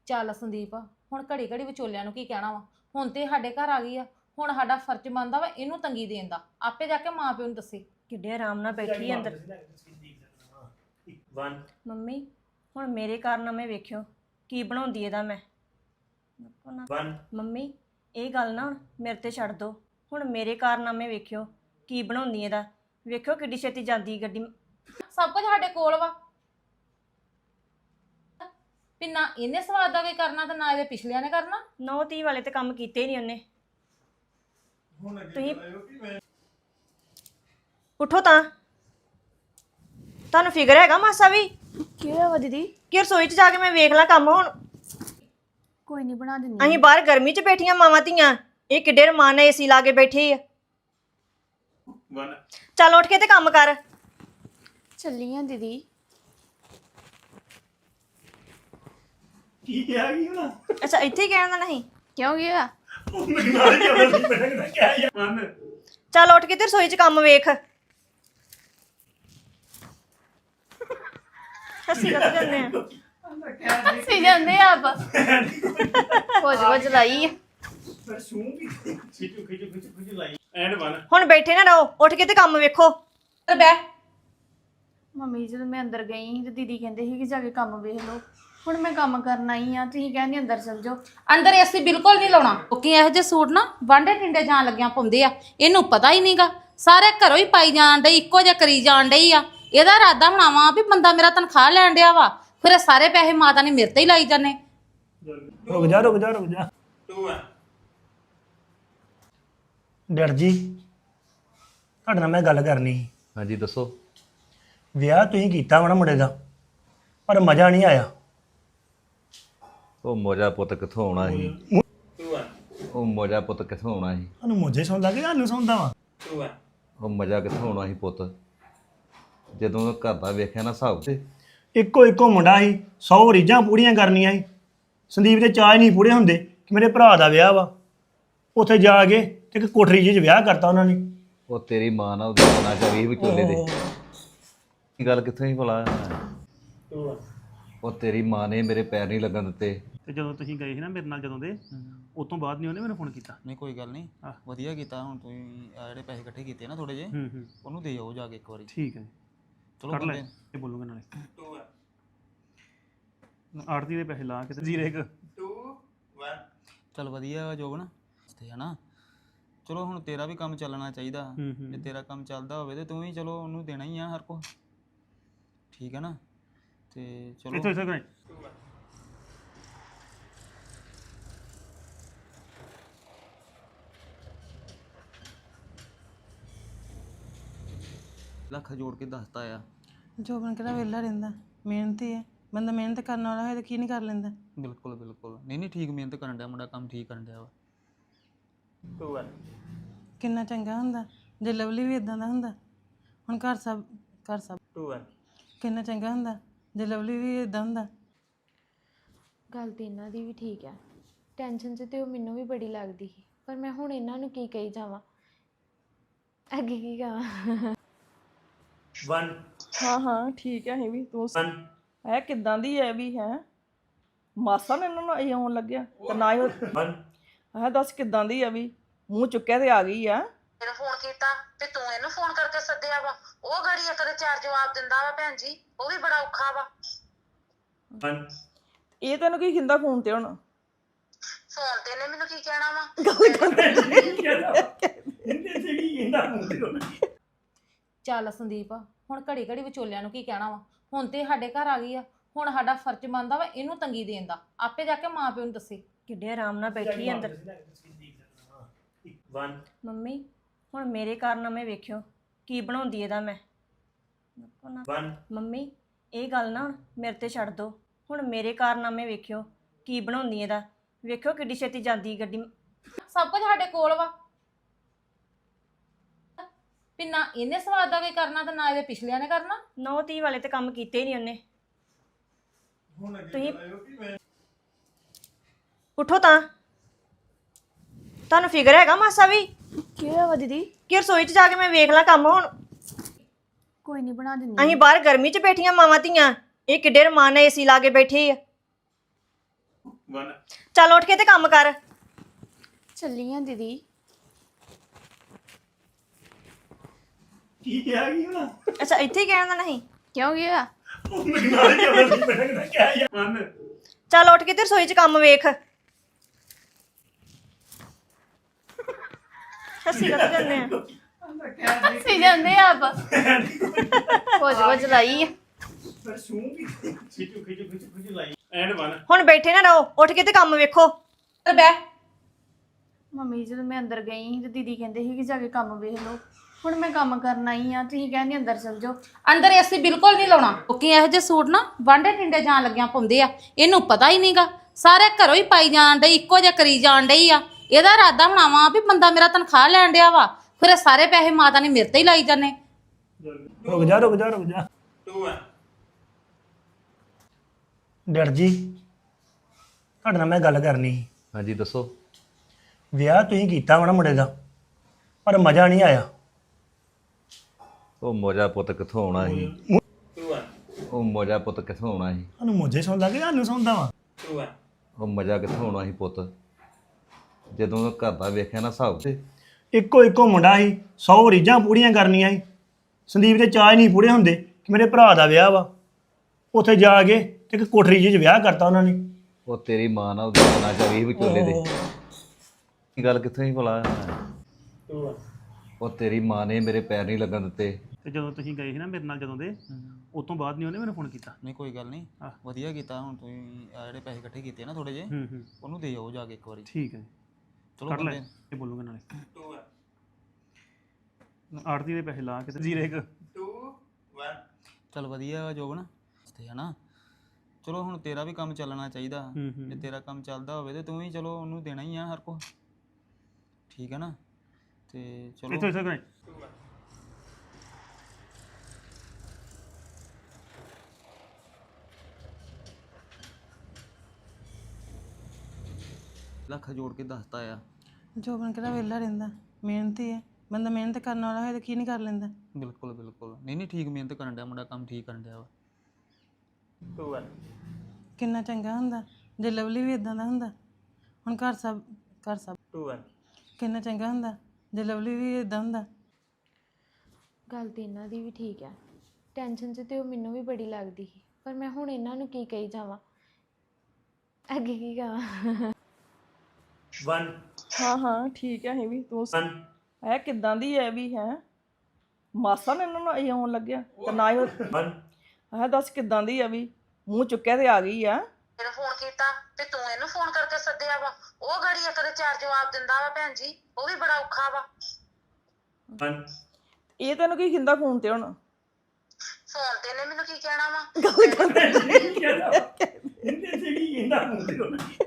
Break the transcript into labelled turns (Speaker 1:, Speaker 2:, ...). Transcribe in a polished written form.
Speaker 1: ਚੱਲ ਸੰਦੀਪ ਹੁਣ ਘੜੀ ਘੜੀ ਵਿਚੋਲਿਆਂ ਨੂੰ ਕੀ ਕਹਿਣਾ ਵਾ। ਹੁਣ ਤੇ ਸਾਡੇ ਘਰ ਆ ਗਈ ਆ, ਹੁਣ ਸਾਡਾ ਫਰਜ਼ ਬਣਦਾ ਵਾ ਇਹਨੂੰ ਤੰਗੀ ਦੇਣ ਦਾ। ਆਪੇ ਜਾ ਕੇ ਮਾਂ ਪਿਓ ਨੂੰ ਦੱਸੇ।
Speaker 2: ਕਿੱਡੇ ਆਰਾਮ ਨਾਲ ਬੈਠੀ ਆ ਅੰਦਰ। ਮੰਮੀ ਹੁਣ ਮੇਰੇ ਕਾਰਨਾਮੇ ਵੇਖਿਓ ਕੀ ਬਣਾਉਂਦੀ ਇਹਦਾ ਮੈਂ। ਮੰਮੀ ਇਹ ਗੱਲ ਨਾ ਹੁਣ ਮੇਰੇ ਤੇ ਛੱਡ ਦੋ। ਹੁਣ ਮੇਰੇ ਕਾਰਨਾਮੇ ਵੇਖਿਓ ਕੀ ਬਣਾਉਂਦੀ ਇਹਦਾ। ਵੇਖਿਓ ਕਿੱਡੀ ਛੇਤੀ ਜਾਂਦੀ ਗੱਡੀ।
Speaker 1: ਸਭ ਕੁਝ ਸਾਡੇ ਕੋਲ ਵਾ, ਵੀ ਨਾ ਇਹਨੇ ਸਵਾਦ ਦਾ ਕੋਈ ਕਰਨਾ ਤੇ ਨਾ ਇਹਦੇ ਪਿਛਲਿਆਂ ਨੇ ਕਰਨਾ।
Speaker 2: 9-30 ਵਾਲੇ ਤੇ ਕੰਮ ਕੀਤੇ ਹੀ ਨਹੀਂ ਉਹਨੇ। ਤੁਸੀਂ ਉੱਠੋ ਤਾਂ, ਤੁਹਾਨੂੰ ਫਿਕਰ ਹੈਗਾ ਮਾਸਾ ਵੀ?
Speaker 3: ਕੀ ਹੋਇਆ ਵਾ ਦੀਦੀ?
Speaker 2: ਕਿ ਰਸੋਈ 'ਚ ਜਾ ਕੇ ਮੈਂ ਵੇਖ ਲਾਂ ਕੰਮ। ਹੁਣ
Speaker 3: ਕੋਈ ਨਹੀਂ ਬਣਾ ਦਿੰਦੀ।
Speaker 2: ਅਸੀਂ ਬਾਹਰ ਗਰਮੀ 'ਚ ਬੈਠੀਆਂ ਮਾਵਾਂ ਧੀਆਂ, ਇਹ ਕਿੱਡੇ ਰਮਾਨ ਨਾਲ ਏਸੀ ਲਾ ਕੇ ਬੈਠੀ ਆ। ਚੱਲ ਉੱਠ ਕੇ ਤੇ ਕੰਮ ਕਰ।
Speaker 3: ਚੱਲੀ ਆ ਦੀਦੀ।
Speaker 4: ਕੀ ਕਿਹਾ ਕੀ ਹੋਣਾ?
Speaker 2: ਅੱਛਾ ਇੱਥੇ ਹੀ ਕਹਿਣ ਦਾ ਨਹੀਂ?
Speaker 3: ਕਿਉਂ ਗਿਆ?
Speaker 4: ਉਹ ਮੇਰੇ ਨਾਲ ਹੀ ਆਉਂਦਾ ਸੀ, ਮੈਂ ਕਹਿੰਦਾ ਕਿਆ ਯਾਰ
Speaker 2: ਚੱਲ ਉੱਠ ਕੇ ਤੇ ਰਸੋਈ 'ਚ ਕੰਮ ਵੇਖ। ਹੱਸੀ ਕਰ ਜਾਂਦੇ ਆ।
Speaker 3: ਸੀ ਜਾਂਦੇ ਆ ਆਪ ਕੁਝ ਲਾਈ ਆ।
Speaker 4: ਪਰ ਸੂੰ ਵੀ ਖਿੱਚੂ ਲਾਈ ਐਂਡ 1।
Speaker 2: ਹੁਣ ਬੈਠੇ ਨਾ ਰਹੋ, ਉੱਠ ਕੇ ਤੇ ਕੰਮ ਵੇਖੋ।
Speaker 1: ਬੈ
Speaker 3: ਮੰਮੀ ਜਦੋਂ ਮੈਂ ਅੰਦਰ ਗਈ ਸੀ ਤੇ ਦੀਦੀ ਕਹਿੰਦੇ ਸੀ ਕਿ ਜਾ ਕੇ ਕੰਮ ਵੇਖ ਲਓ। ਹੁਣ ਮੈਂ ਕੰਮ ਕਰਨਾ ਹੀ ਆ, ਤੁਸੀਂ ਕਹਿੰਦੇ ਅੰਦਰ ਚਲ ਜਾਓ।
Speaker 1: ਅੰਦਰ ਏਸੀ ਬਿਲਕੁਲ ਨਹੀਂ ਲਾਉਣਾ ਕਿਉਂਕਿ ਇਹੋ ਜਿਹੇ ਸੂਟ ਨਾ ਵਾਂਡੇ ਟਿੰਡੇ ਜਾਣ ਲੱਗਿਆਂ ਪਾਉਂਦੇ ਆ। ਇਹਨੂੰ ਪਤਾ ਹੀ ਨਹੀਂਗਾ, ਸਾਰੇ ਘਰੋਂ ਹੀ ਪਾਈ ਜਾਣ ਡਈ, ਇੱਕੋ ਜਿਹਾ ਕਰੀ ਜਾਣ ਡਈ ਆ। ਇਹਦਾ ਇਰਾਦਾ ਬਣਾਵਾ ਵੀ ਬੰਦਾ ਮੇਰਾ ਤਨਖਾਹ ਲੈਣ ਡਿਆ ਵਾ, ਫਿਰ ਇਹ ਸਾਰੇ ਪੈਸੇ ਮਾਤਾ ਨੇ ਮੇਰੇ ਤੇ ਹੀ ਲਾਈ ਜਾਂਦੇ।
Speaker 4: ਰੁਕ ਜਾ 2 ਡਰ ਜੀ ਤੁਹਾਡੇ ਨਾਲ ਮੈਂ ਗੱਲ ਕਰਨੀ ਸੀ।
Speaker 5: ਹਾਂਜੀ ਦੱਸੋ।
Speaker 4: ਵਿਆਹ ਤੁਸੀਂ ਕੀਤਾ ਵਾ ਨਾ ਮੁੰਡੇ ਦਾ, ਪਰ ਮਜ਼ਾ ਨਹੀਂ ਆਇਆ।
Speaker 5: ਉਹ ਮੋਜਾ ਪੁੱਤ ਕਿੱਥੋਂ ਆਉਣਾ ਸੀ? ਉਹ ਮੋਜਾ ਪੁੱਤ ਕਿੱਥੋਂ ਆਉਣਾ ਸੀ?
Speaker 4: ਤੁਹਾਨੂੰ ਮੁੱਝੇ ਸੌਂਦਾ ਕਿ ਤੁਹਾਨੂੰ ਸੌਂਦਾ ਵਾ?
Speaker 5: ਉਹ ਮਜ਼ਾ ਕਿੱਥੋਂ ਆਉਣਾ ਸੀ ਪੁੱਤ? ਜਦੋਂ ਘਰ ਦਾ ਵੇਖਿਆ ਨਾ ਹਿਸਾਬ ਤੇ
Speaker 4: ਇੱਕੋ ਮੁੰਡਾ ਸੀ, 100 ਰੀਝਾਂ ਪੂਰੀਆਂ ਕਰਨੀਆਂ ਸੀ। ਸੰਦੀਪ ਦੇ ਚਾਅ ਨਹੀਂ ਪੂਰੇ ਹੁੰਦੇ ਕਿ ਮੇਰੇ ਭਰਾ ਦਾ ਵਿਆਹ ਵਾ। ਉੱਥੇ ਜਾ ਕੇ ਤੇ ਇੱਕ ਕੋਠਰੀ ਜਿਹੀ 'ਚ ਵਿਆਹ ਕਰਤਾ ਉਹਨਾਂ ਨੇ।
Speaker 5: ਉਹ ਤੇਰੀ ਮਾਂ ਨਾਲ ਉਹਦੇ ਮਨਾਂ ਚ ਵੀ ਵਿਚੋਲੇ ਦੇ ਇਹ ਗੱਲ ਕਿੱਥੋਂ ਹੀ ਭਲਾ? ਉਹ ਤੇਰੀ ਮਾਂ ਨੇ ਮੇਰੇ ਪੈਰ ਨਹੀਂ ਲੱਗਣ ਦਿੱਤੇ।
Speaker 4: ਤੇ ਜਦੋਂ ਤੁਸੀਂ ਗਏ ਸੀ ਨਾ ਮੇਰੇ ਨਾਲ, ਜਦੋਂ ਦੇ ਉਸ ਤੋਂ ਬਾਅਦ ਨਹੀਂ ਉਹਨੇ ਮੈਨੂੰ ਫੋਨ ਕੀਤਾ।
Speaker 6: ਨਹੀਂ ਕੋਈ ਗੱਲ ਨਹੀਂ, ਵਧੀਆ ਕੀਤਾ। ਹੁਣ ਤੁਸੀਂ ਆ ਜਿਹੜੇ ਪੈਸੇ ਇਕੱਠੇ ਕੀਤੇ ਨਾ ਥੋੜੇ ਜਿਹੇ, ਉਹਨੂੰ ਦੇ ਆਓ ਜਾ ਕੇ ਇੱਕ ਵਾਰੀ।
Speaker 4: ਠੀਕ ਹੈ
Speaker 6: ਚਲੋ
Speaker 4: ਕਰ ਲੈ, ਇਹ ਬੋਲੂਗਾ ਨਾਲੇ ਆੜਤੀ ਦੇ ਪੈਸੇ ਲਾ ਕੇ ਤੇ 0 1
Speaker 6: ਚਲ ਵਧੀਆ ਵਾ ਜੋਬਨ ਤੇ ਹਨਾ। ਚਲੋ ਹੁਣ ਤੇਰਾ ਵੀ ਕੰਮ ਚੱਲਣਾ ਚਾਹੀਦਾ। ਜੇ ਤੇਰਾ ਕੰਮ ਚੱਲਦਾ ਹੋਵੇ ਤੇ ਤੂੰ ਵੀ ਚਲੋ ਉਹਨੂੰ ਦੇਣਾ ਹੀ ਆ ਹਰ ਕੋ, ਠੀਕ ਹੈ ਨਾ? ਤੇ ਚਲੋ
Speaker 4: ਇੱਥੋਂ ਕਰੇ
Speaker 6: ਲੱਖ ਜੋੜ ਕੇ ਦੱਸਤਾ ਆ।
Speaker 7: ਜੋਬਨ ਕਿਹੜਾ ਵਿਹਲਾ ਰਹਿੰਦਾ, ਮਿਹਨਤੀ ਹੈ ਬੰਦਾ। ਮਿਹਨਤ ਕਰਨ ਵਾਲਾ ਹੋਏ ਤਾਂ ਕੀ ਨਹੀਂ ਕਰ ਲੈਂਦਾ।
Speaker 6: ਬਿਲਕੁਲ ਬਿਲਕੁਲ, ਨਹੀਂ ਠੀਕ ਮਿਹਨਤ ਕਰਨ ਡਿਆ ਮੁੰਡਾ, ਕੰਮ ਠੀਕ ਕਰਨ ਡਿਆ ਵਾ।
Speaker 7: ਕਿੰਨਾ ਚੰਗਾ ਹੁੰਦਾ ਜੇ ਲਵਲੀ ਵੀ ਇਦਾਂ ਦਾ ਹੁੰਦਾ। ਹੁਣ ਘਰ ਸਭ ਕਿੰਨਾ ਚੰਗਾ ਹੁੰਦਾ ਜੇ ਲਵਲੀ ਵੀ ਇਦਾਂ ਹੁੰਦਾ।
Speaker 3: ਗੱਲ ਤੇ ਇਹਨਾਂ ਦੀ ਵੀ ਠੀਕ ਆ। ਟੈਨਸ਼ਨ 'ਚ ਤੇ ਉਹ ਮੈਨੂੰ ਵੀ ਬੜੀ ਲੱਗਦੀ ਸੀ, ਪਰ ਮੈਂ ਹੁਣ ਇਹਨਾਂ ਨੂੰ ਕੀ ਕਹੀ ਜਾਵਾਂ, ਅੱਗੇ ਕੀ ਕਹਾਂ।
Speaker 4: 1
Speaker 8: ਹਾਂ ਠੀਕ ਹੈ। ਵੀ ਤੂੰ ਹੈ ਕਿੱਦਾਂ ਦੀ ਹੈ ਵੀ ਹੈ ਮਾਸਾ ਨੇ ਇਹਨਾਂ ਨੂੰ ਇਹ ਆਉਣ ਲੱਗਿਆ ਤੇ ਨਾ ਹੀ ਹੈ। ਦੱਸ ਕਿੱਦਾਂ ਦੀ ਹੈ ਵੀ, ਮੂੰਹ ਚੁੱਕਿਆ ਤੇ ਆ ਗਈ ਆ।
Speaker 1: ਤੈਨੂੰ ਫੋਨ ਕੀਤਾ ਤੇ ਤੂੰ ਇਹਨੂੰ ਫੋਨ ਕਰਕੇ ਸੱਦਿਆ ਵਾ। ਉਹ ਗੜੀ ਇੱਕ ਦੇ 4 ਜਵਾਬ ਦਿੰਦਾ ਵਾ ਭੈਣ ਜੀ, ਉਹ ਵੀ ਬੜਾ ਔਖਾ ਵਾ।
Speaker 8: ਇਹ ਤੈਨੂੰ ਕੀ ਕਹਿੰਦਾ ਫੋਨ ਤੇ? ਹੁਣ
Speaker 1: ਫੋਨ ਤੇ ਇਹਨੇ ਮੈਨੂੰ ਕੀ ਕਹਿਣਾ ਵਾ? ਚੱਲ ਸੰਦੀਪ ਹੁਣ ਘੜੀ ਘੜੀ ਵਿਚੋਲਿਆਂ ਨੂੰ ਕੀ ਕਹਿਣਾ ਵਾ। ਹੁਣ ਤੇ ਸਾਡੇ ਘਰ ਆ ਗਈ ਆ, ਹੁਣ ਸਾਡਾ ਫਰਜ਼ ਬਣਦਾ ਵਾ ਇਹਨੂੰ ਤੰਗੀ ਦੇਣ ਦਾ। ਆਪੇ ਜਾ ਕੇ ਮਾਂ ਪਿਓ ਨੂੰ ਦੱਸੇ।
Speaker 2: ਕਿੱਡੇ ਆਰਾਮ ਨਾਲ ਬੈਠੀ ਆ ਅੰਦਰ। ਮੰਮੀ ਹੁਣ ਮੇਰੇ ਕਾਰਨਾਮੇ ਵੇਖਿਓ ਕੀ ਬਣਾਉਂਦੀ ਇਹਦਾ ਮੈਂ। ਮੰਮੀ ਇਹ ਗੱਲ ਨਾ ਹੁਣ ਮੇਰੇ ਤੇ ਛੱਡ ਦੋ। ਹੁਣ ਮੇਰੇ ਕਾਰਨਾਮੇ ਵੇਖਿਓ ਕੀ ਬਣਾਉਂਦੀ ਇਹਦਾ। ਵੇਖਿਓ ਕਿੱਡੀ ਛੇਤੀ ਜਾਂਦੀ ਗੱਡੀ।
Speaker 1: ਸਭ ਕੁਝ ਸਾਡੇ ਕੋਲ ਵਾ, ਵੀ ਨਾ ਇਹਨੇ ਸਵਾਦ ਦਾ ਕੋਈ ਕਰਨਾ ਤੇ ਨਾ ਇਹਦੇ ਪਿਛਲਿਆਂ ਨੇ ਕਰਨਾ।
Speaker 2: 9-30 ਵਾਲੇ ਤੇ ਕੰਮ ਕੀਤੇ ਹੀ ਨਹੀਂ ਉਹਨੇ। ਤੁਸੀਂ ਉੱਠੋ ਤਾਂ, ਤੁਹਾਨੂੰ ਫਿਕਰ ਹੈਗਾ ਮਾਸਾ ਵੀ?
Speaker 3: ਕੀ ਹੋਇਆ ਵਾ ਦੀਦੀ?
Speaker 2: ਕਿ ਰਸੋਈ 'ਚ ਜਾ ਕੇ ਮੈਂ ਵੇਖ ਲਾਂ ਕੰਮ। ਹੁਣ
Speaker 3: ਕੋਈ ਨਹੀਂ ਬਣਾ ਦਿੰਦੀ।
Speaker 2: ਅਸੀਂ ਬਾਹਰ ਗਰਮੀ 'ਚ ਬੈਠੀਆਂ ਮਾਵਾਂ ਧੀਆਂ, ਇਹ ਕਿੱਡੇ ਰਮਾਨ ਨਾਲ ਏਸੀ ਲਾ ਕੇ ਬੈਠੇ ਆ। ਚੱਲ ਉੱਠ ਕੇ ਤੇ ਕੰਮ ਕਰ।
Speaker 3: ਚੱਲੀ ਆ ਦੀਦੀ।
Speaker 4: ਕੀ ਕਿਹਾ ਕੀ ਹੋਣਾ
Speaker 2: ਅੱਛਾ ਇੱਥੇ ਹੀ ਕਹਿਣਾ ਨਹੀਂ।
Speaker 3: ਕਿਉਂ ਗਿਆ?
Speaker 4: ਮੇਰੇ ਨਾਲ ਹੀ ਆਉਂਦਾ ਸੀ ਮੈਂ ਕਿਹਾ ਯਾਰ
Speaker 2: ਚੱਲ ਉੱਠ ਕੇ ਤੇ ਰਸੋਈ 'ਚ ਕੰਮ ਵੇਖ। ਹੱਸੀ ਕਰ ਜੰਨੇ ਆ।
Speaker 3: ਸੀ ਜਾਂਦੇ ਆ ਆਪ ਕੁਝ ਲਾਈ ਆ।
Speaker 4: ਪਰ ਸੂੰ ਵੀ ਖਿੱਚੂ ਲਾਈ ਐਂਡ 1
Speaker 2: ਹੁਣ ਬੈਠੇ ਨਾ ਰਹੋ, ਉੱਠ ਕੇ ਤੇ ਕੰਮ ਵੇਖੋ।
Speaker 1: ਤੇ ਬਹਿ
Speaker 3: ਮੰਮੀ ਜਦੋਂ ਮੈਂ ਅੰਦਰ ਗਈ ਸੀ ਤੇ ਦੀਦੀ ਕਹਿੰਦੇ ਸੀ ਕਿ ਜਾ ਕੇ ਕੰਮ ਵੇਖ ਲਓ। ਹੁਣ ਮੈਂ ਕੰਮ ਕਰਨਾ ਹੀ ਆ, ਤੁਸੀਂ ਕਹਿੰਦੇ ਅੰਦਰ ਚਲ ਜਾਓ।
Speaker 1: ਅੰਦਰ ਏਸੀ ਬਿਲਕੁਲ ਨਹੀਂ ਲਾਉਣਾ ਕਿਉਂਕਿ ਇਹੋ ਜਿਹੇ ਸੂਟ ਨਾ ਵਾਂਡੇ ਟਿੰਡੇ ਜਾਣ ਲੱਗਿਆਂ ਪਾਉਂਦੇ ਆ। ਇਹਨੂੰ ਪਤਾ ਹੀ ਨਹੀਂਗਾ, ਸਾਰੇ ਘਰੋਂ ਹੀ ਪਾਈ ਜਾਣ ਡਈ, ਇੱਕੋ ਜਿਹਾ ਕਰੀ ਜਾਣ ਡਈ ਆ। ਇਹਦਾ ਇਰਾਦਾ ਬਣਾਵਾ ਵੀ ਬੰਦਾ ਮੇਰਾ ਤਨਖਾਹ ਲੈਣ ਡਿਆ ਵਾ, ਫਿਰ ਇਹ ਸਾਰੇ ਪੈਸੇ ਮਾਤਾ ਨੇ ਮੇਰੇ ਤੇ ਹੀ ਲਾਈ ਜਾਂਦੇ।
Speaker 4: ਰੁਕ ਜਾ 2 ਡਰ ਜੀ ਤੁਹਾਡੇ ਨਾਲ ਮੈਂ ਗੱਲ ਕਰਨੀ ਸੀ।
Speaker 5: ਹਾਂਜੀ ਦੱਸੋ।
Speaker 4: ਵਿਆਹ ਤੁਸੀਂ ਕੀਤਾ ਵਾ ਨਾ ਮੁੰਡੇ ਦਾ, ਪਰ ਮਜ਼ਾ ਨਹੀਂ ਆਇਆ।
Speaker 5: ਉਹ ਮੋਜਾ ਪੁੱਤ ਕਿੱਥੋਂ ਆਉਣਾ ਸੀ? ਉਹ ਮੋਜਾ ਪੁੱਤ ਕਿੱਥੋਂ ਆਉਣਾ ਸੀ?
Speaker 4: ਸਾਨੂੰ ਮੋਝੇ ਸੌਂਦਾ ਕਿ ਸਾਨੂੰ ਸੌਂਦਾ ਵਾ?
Speaker 5: ਉਹ ਮਜ਼ਾ ਕਿੱਥੋਂ ਆਉਣਾ ਸੀ ਪੁੱਤ? ਜਦੋਂ ਘਰ ਦਾ ਵੇਖਿਆ ਨਾ ਹਿਸਾਬ ਤੇ
Speaker 4: ਇੱਕੋ ਮੁੰਡਾ ਸੀ, 100 ਰੀਝਾਂ ਪੂਰੀਆਂ ਕਰਨੀਆਂ ਸੀ। ਸੰਦੀਪ ਦੇ ਚਾਅ ਨਹੀਂ ਪੂਰੇ ਹੁੰਦੇ ਕਿ ਮੇਰੇ ਭਰਾ ਦਾ ਵਿਆਹ ਵਾ। ਉੱਥੇ ਜਾ ਕੇ ਤੇ ਇੱਕ ਕੋਠਰੀ ਜਿਹੀ 'ਚ ਵਿਆਹ ਕਰਤਾ ਉਹਨਾਂ ਨੇ।
Speaker 5: ਉਹ ਤੇਰੀ ਮਾਂ ਨਾਲ ਉਹਦੇ ਕੰਨਾਂ 'ਚ ਵੀ ਵਿਚੋਲੇ ਦੇ ਇਹ ਗੱਲ ਕਿੱਥੋਂ ਹੀ ਭਲਾ? ਉਹ ਤੇਰੀ ਮਾਂ ਨੇ ਮੇਰੇ ਪੈਰ ਨਹੀਂ ਲੱਗਣ ਦਿੱਤੇ।
Speaker 4: ਤੇ ਜਦੋਂ ਤੁਸੀਂ ਗਏ ਸੀ ਨਾ ਮੇਰੇ ਨਾਲ ਜਦੋਂ ਦੇ, ਉਸ ਤੋਂ ਬਾਅਦ ਨਹੀਂ ਉਹਨੇ ਮੈਨੂੰ ਫੋਨ ਕੀਤਾ।
Speaker 6: ਨਹੀਂ ਕੋਈ ਗੱਲ ਨਹੀਂ, ਵਧੀਆ ਕੀਤਾ। ਹੁਣ ਤੁਸੀਂ ਆਹ ਜਿਹੜੇ ਪੈਸੇ ਇਕੱਠੇ ਕੀਤੇ ਨਾ ਥੋੜੇ ਜਿਹੇ, ਉਹਨੂੰ ਦੇ ਆਓ ਜਾ ਕੇ ਇੱਕ ਵਾਰੀ।
Speaker 4: ਠੀਕ ਹੈ
Speaker 6: ਚਲੋ
Speaker 4: ਕਰ ਲੈ,
Speaker 6: ਬੰਦੇ
Speaker 4: ਇਹ ਬੋਲੂਗਾ ਨਾਲੇ ਆੜਤੀ ਦੇ ਪੈਸੇ ਲਾ ਕੇ ਤੇ ਜ਼ੀਰੇ 2 1
Speaker 6: ਚੱਲ ਵਧੀਆ ਵਾ ਜੋਬਨ ਤੇ ਹਨਾ। ਚਲੋ ਹੁਣ ਤੇਰਾ ਵੀ ਕੰਮ ਚੱਲਣਾ ਚਾਹੀਦਾ। ਜੇ ਤੇਰਾ ਕੰਮ ਚੱਲਦਾ ਹੋਵੇ ਤੇ ਤੂੰ ਵੀ ਚਲੋ ਉਹਨੂੰ ਦੇਣਾ ਹੀ ਆ ਹਰ ਕੋ, ਠੀਕ ਹੈ ਨਾ? ਤੇ ਚਲੋ
Speaker 4: ਇੱਥੇ
Speaker 6: ਲੱਖ ਜੋੜ ਕੇ ਦੱਸਤਾ ਆ।
Speaker 7: ਜੋਬਨ ਕਿਹੜਾ ਵਿਹਲਾ ਰਹਿੰਦਾ, ਮਿਹਨਤੀ ਹੈ ਬੰਦਾ। ਮਿਹਨਤ ਕਰਨ ਵਾਲਾ ਹੋਏ ਤਾਂ ਕੀ ਨਹੀਂ ਕਰ ਲੈਂਦਾ।
Speaker 6: ਬਿਲਕੁਲ ਬਿਲਕੁਲ, ਨਹੀਂ ਠੀਕ ਮਿਹਨਤ ਕਰਨ ਡਿਆ ਮੁੰਡਾ, ਕੰਮ ਠੀਕ ਕਰਨ ਡਿਆ ਵਾ।
Speaker 4: 2 1
Speaker 7: ਕਿੰਨਾ ਚੰਗਾ ਹੁੰਦਾ ਜੇ ਲਵਲੀ ਵੀ ਇਦਾਂ ਦਾ ਹੁੰਦਾ। ਹੁਣ ਘਰ ਸਭ
Speaker 4: 2 1
Speaker 7: ਕਿੰਨਾ ਚੰਗਾ ਹੁੰਦਾ ਜੇ ਲਵਲੀ ਵੀ ਇਦਾਂ ਹੁੰਦਾ।
Speaker 3: ਗੱਲ ਤੇ ਇਹਨਾਂ ਦੀ ਵੀ ਠੀਕ ਹੈ। ਟੈਨਸ਼ਨ 'ਚ ਤੇ ਉਹ ਮੈਨੂੰ ਵੀ ਬੜੀ ਲੱਗਦੀ ਸੀ, ਪਰ ਮੈਂ ਹੁਣ ਇਹਨਾਂ ਨੂੰ ਕੀ ਕਹੀ ਜਾਵਾਂ, ਅੱਗੇ ਕੀ ਕਹਾਂ।
Speaker 4: 1
Speaker 8: ਹਾਂ ਠੀਕ ਹੈ। ਅਸੀਂ ਵੀ ਤੂੰ
Speaker 4: 1
Speaker 8: ਹੈ ਕਿੱਦਾਂ ਦੀ ਹੈ ਵੀ ਹੈ ਮਾਸਾ ਨੇ ਇਹਨਾਂ ਨੂੰ ਇਹ ਆਉਣ ਲੱਗਿਆ ਤੇ ਨਾ ਹੀ
Speaker 4: 1
Speaker 8: ਹੈ ਦੱਸ ਕਿੱਦਾਂ ਦੀ ਹੈ ਵੀ ਮੂੰਹ ਚੁੱਕਿਆ ਤੇ ਆ ਗਈ ਆ।
Speaker 1: ਤੈਨੂੰ ਫੋਨ ਕੀਤਾ ਤੇ ਤੂੰ ਇਹਨੂੰ ਫੋਨ ਕਰਕੇ ਸੱਦਿਆ ਵਾ। ਉਹ ਗਾੜੀ ਇੱਕ ਦੇ 4 ਜਵਾਬ ਦਿੰਦਾ ਵਾ ਭੈਣ ਜੀ, ਉਹ ਵੀ ਬੜਾ ਔਖਾ ਵਾ।
Speaker 4: 1
Speaker 8: ਇਹ ਤੈਨੂੰ ਕੀ ਕਹਿੰਦਾ ਫੋਨ ਤੇ? ਹੁਣ
Speaker 1: ਫੋਨ ਤੇ ਇਹਨੇ ਮੈਨੂੰ ਕੀ ਕਹਿਣਾ ਵਾ?
Speaker 4: ਇਹਦੇ ਤੇ ਕੀ ਕਹਿੰਦਾ